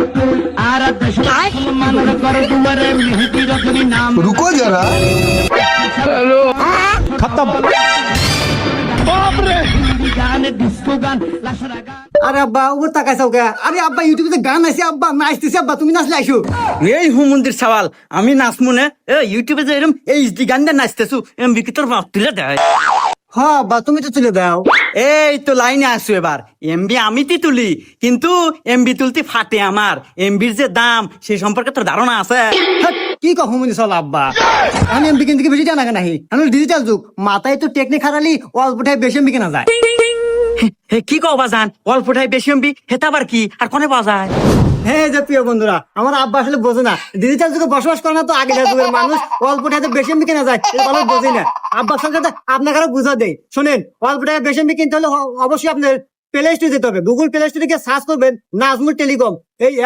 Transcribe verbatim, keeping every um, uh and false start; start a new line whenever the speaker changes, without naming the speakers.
रुको जरा खत्म
আরে আব্বা ও তাকাইছাও কে? আরে আব্বা ইউটিউবে গান আছে, আব্বা নাচতেছে, আব্বা তুমি নাচলে আইসো।
এই হুমন্দির সওয়াল আমি নাচমু না এ ইউটিউবে যে এরম এইচডি গান দিয়ে নাচতেছু এমবি কি তোর বাপ তুলে দেয়?
হ্যাঁ আব্বা তুমি তো তুলে দাও।
এই তো লাইনে আসো এবার। এমবি আমি তি তুলি, কিন্তু এমবি তুলতে ফাটে আমার। এমবির যে দাম সে সম্পর্কে তোর ধারণা আছে?
হ্যাট, কি কহ মুনি চল আব্বা, আমি এমবি কিনতে বেশি জানা কেন? আমি ডিজিটাল যুগ, মাথায় তো টেকনিক হারালি অল্পটাই বেশি এমবি কেনা যায়।
হে কি কও বাজান, অল্পটাই বেশি এমবি হেতা আবার কি আর কোনে পাওয়া যায়?
হ্যাঁ যে প্রিয় বন্ধুরা, আমার আব্বা আসলে বোঝে না, ডিজিটাল যুগে বসবাস করে না তো আগেকার যুগের মানুষ অল্প টাকাতে বেশি এমবি কেনা যায় এটা ভালো বোঝে না। আব্বার সঙ্গে আপনাকে আরো বুঝা দেয়, শোনেন অল্প টাকায় বেশি এমবি কিনতে হলে অবশ্যই আপনার প্লে স্টোরে যেতে হবে। গুগল প্লে স্টোরে গিয়ে সার্চ করবেন নাজমুল টেলিকম, এই